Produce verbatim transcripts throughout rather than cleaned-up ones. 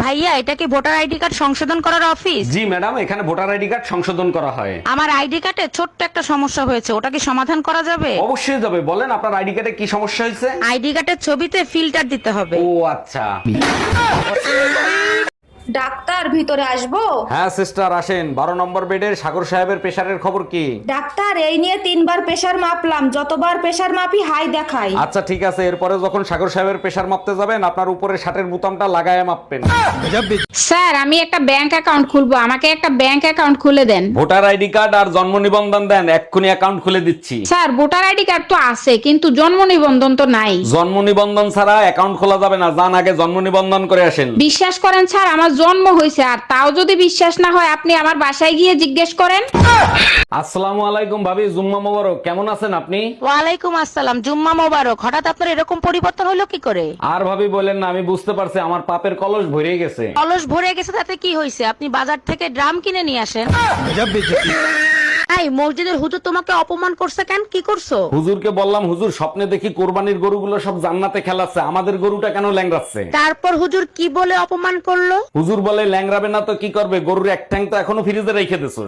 ভাইয়া, এটা কি ভোটার আইডি কার্ড সংশোধন করার অফিস? জি ম্যাডাম, এখানে ভোটার আইডি কার্ড সংশোধন করা হয়। আমার আইডি কার্ডে ছোট্ট একটা সমস্যা হয়েছে, ওটা কি সমাধান করা যাবে? অবশ্যই যাবে, বলেন আপনার আইডি কার্ডে কি সমস্যা হয়েছে? আইডি কার্ডের ছবিতে ফিল্টার দিতে হবে। ও আচ্ছা। ডাক্তার, ভিতরে আসবো? হ্যাঁ সিস্টার আসেন। বারো নম্বর বেডের সাগর সাহেবের প্রেশারের খবর কি? ডাক্তার, এই নিয়ে তিনবার প্রেসার মাপলাম, যতবার প্রেসার মাপি হাই দেখাই। আচ্ছা ঠিক আছে, এরপরে যখন সাগর সাহেবের প্রেশার মাপতে যাবেন আপনার উপরে শার্টের বোতামটা লাগায় মাপবেন। স্যার, আমি একটা ব্যাংক অ্যাকাউন্ট খুলবো, আমাকে একটা ব্যাংক অ্যাকাউন্ট খুলে দেন। ভোটার আইডি কার্ড আর জন্ম নিবন্ধন দেন, এক্ষুনি অ্যাকাউন্ট খুলে দিচ্ছি। স্যার, ভোটার আইডি কার্ড তো আছে কিন্তু জন্ম নিবন্ধন তো নাই। জন্ম নিবন্ধন ছাড়া অ্যাকাউন্ট খোলা যাবে না, যান আগে জন্ম নিবন্ধন করে আসেন। বিশ্বাস করেন স্যার, আমার জন্ম হয়েছে, আর তাও যদি বিশ্বাস না হয় আপনি আমার বাসায় গিয়ে জিজ্ঞেস করেন। আসসালামু আলাইকুম ভাবি, জুম্মা মোবারক। কেমন আছেন আপনি? ওয়ালাইকুম আসসালাম, জুম্মা মোবারক। হঠাৎ আপনার এরকম পরিবর্তন হলো কি করে? আর ভাবি বলেন না, আমি বুঝতে পারছি আমার পাপের কলস ভরে গেছে। কলস ভরে গেছে তাতে কি হয়েছে? আপনি বাজার থেকে ড্রাম কিনে নিয়ে আসেন। এই মসজিদের হুজুর তোমাকে অপমান করছে কেন? কি করছো? হুজুরকে বললাম, হুজুর স্বপ্নে দেখি কোরবানির গরুগুলো সব জান্নাতে খেলাচ্ছে, আমাদের গরুটা কেন ল্যাংড়াচ্ছে? তারপর হুজুর কি বলে অপমান করলো? হুজুর বলে, ল্যাংড়াবে না তো কি করবে, গরুর এক ঠ্যাং তো এখনো ফ্রিজে রেখে দিছোস।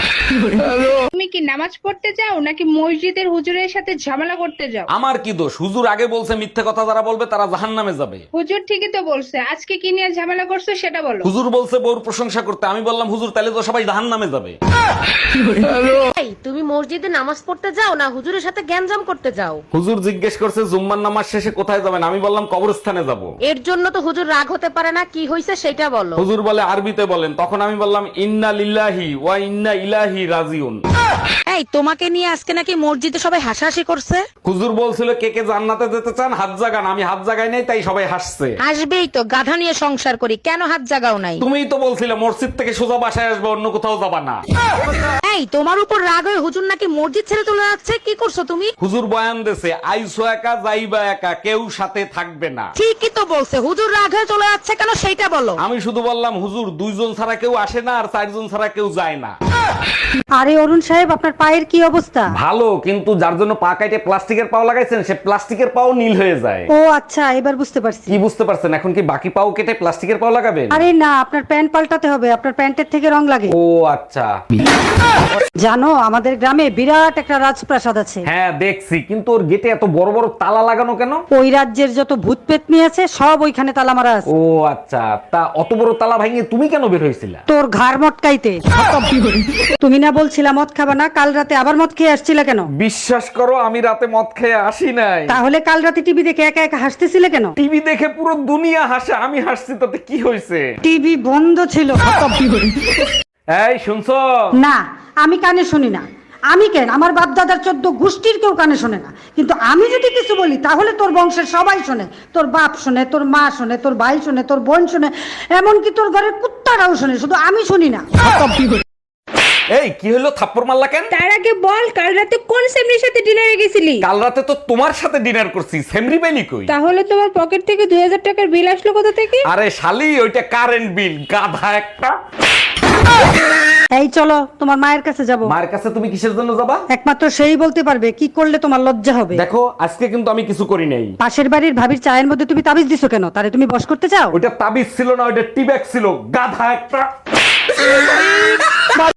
তুমি কি নামাজ পড়তে যাও নাকি মসজিদের হুজুরের সাথে ঝামেলা করতে যাও? আমার কি দোষ? হুজুর আগে বলছে মিথ্যে কথা যারা বলবে তারা জাহান্নামে যাবে। হুজুর ঠিকই তো বলছে, আজকে কি নিয়ে ঝামেলা করছো সেটা বলো। হুজুর বলছে বউর প্রশংসা করতে, আমি বললাম হুজুর তাহলে তো সবাই জাহান্নামে যাবে। এই তুমি মসজিদে নামাজ পড়তে যাও না হুজুরের সাথে গ্যাঞ্জাম করতে যাও? হুজুর জিজ্ঞেস করছে জুম্মার নামাজ শেষে কোথায় যাবেন, আমি বললাম কবরস্থানে যাব। এর জন্য তো হুজুর রাগ হতে পারে না, কি হয়েছে সেটা বলো। হুজুর বলে আরবিতে বলেন, তখন আমি বললাম ইন্না লিল্লাহি ওয়া ইন্না ইলাইহি রাজিউন। এই তোমাকে নিয়ে আজকে নাকি মসজিদে সবাই হাসাহাসি করছে? হুজুর বলছিল কে কে জান্নাতে যেতে চান হাত জাগান, আমি হাত জাগাই নাই তাই সবাই হাসছে। আসবেই তো, গাধা নিয়ে সংসার করি, কেন হাত জাগাও নাই? তুমিই তো বলছিলে মসজিদ থেকে সোজা বাসায় আসবে, অন্য কোথাও যাবা না। এই তোমার উপর রাগ হয়ে হুজুর নাকি মসজিদ ছেড়ে চলে যাচ্ছে, কি করছো তুমি? হুজুর বয়ান দেছে, আইসো একা যাইবা একা, কেউ সাথে থাকবে না। ঠিকই তো বলছে, হুজুর রাগ হয়ে চলে যাচ্ছে কেন সেইটা বলো। আমি শুধু বললাম হুজুর দুইজন ছাড়া কেউ আসে না আর চারজন ছাড়া কেউ যায় না। আরে অরুণ সাহেব, আপনার পায়ের কি অবস্থা? ভালো, কিন্তু যার জন্য পা কাটে প্লাস্টিকের পাও লাগাইছেন সে প্লাস্টিকের পাও নীল হয়ে যায়। ও আচ্ছা, এবার বুঝতে পারছি। কি বুঝতে পারছেন? এখন কি বাকি পাও কেটে প্লাস্টিকের পাও লাগাবেন? আরে না, আপনার প্যান্ট পাল্টাতে হবে, আপনার প্যান্টের থেকে রং লাগে। ও আচ্ছা। জানো আমাদের গ্রামে বিরাট একটা রাজপ্রাসাদ আছে। হ্যাঁ দেখছি, কিন্তু ওর গেটে এত বড় বড় তালা লাগানো কেন? ওই রাজ্যের যত ভূত পেতনি আছে সব ওইখানে তালা মারা আছে। ও আচ্ছা, তা অত বড় তালা ভাঙিয়ে তুমি কেন বের হয়েছিলা? তোর ঘাড় মটকাইতে। তুমি না বলছিলা মদ খাবা না, কাল রাতে আবার মদ খেয়ে আসছিলে কেন? বিশ্বাস করো আমি রাতে মদ খেয়ে আসি নাই। তাহলে কাল রাতে টিভি দেখে একা একা হাসতেছিলে কেন? টিভি দেখে পুরো দুনিয়া হাসে, আমি হাসছি তাতে কি হয়েছে? টিভি বন্ধ ছিল। এই শুনছো? না, আমি কানে শুনি না। আমি কেন, আমার বাপ দাদার চোদ্দ গোষ্ঠীর কেউ কানে শোনে না, কিন্তু আমি যদি কিছু বলি তাহলে তোর বংশের সবাই শোনে। তোর বাপ শোনে, তোর মা শোনে, তোর ভাই শোনে, তোর বোন শোনে, এমনকি তোর ঘরের কুত্তারাও শোনে, শুধু আমি শুনি না। এই কি হলো, থাপ্পড় মারলা কেন? তার আগে বল, কাল রাতে কোন সেমরির সাথে ডিনারে গেছিলি? কাল রাতে তো তোমার সাথে ডিনার করছি, সেমরি বেলি কই? তাহলে তোমার পকেট থেকে দুই হাজার টাকার বিল আসলো কোথা থেকে? আরে শালি, ওইটা কারেন্ট বিল, গাধা একটা। এই চলো তোমার মায়ের কাছে যাব। মায়ের কাছে তুমি কিসের জন্য যাবা? একমাত্র সেই বলতে পারবে কি করলে তোমার লজ্জা হবে। দেখো আজকে কিন্তু আমি কিছু করি নাই। পাশের বাড়ির ভাবির চায়ের মধ্যে তুমি তাবিজ দিছো কেন? তারে তুমি বশ করতে চাও? ওইটা তাবিজ ছিল না, ওইটা টিব্যাগ ছিল, গাধা একটা।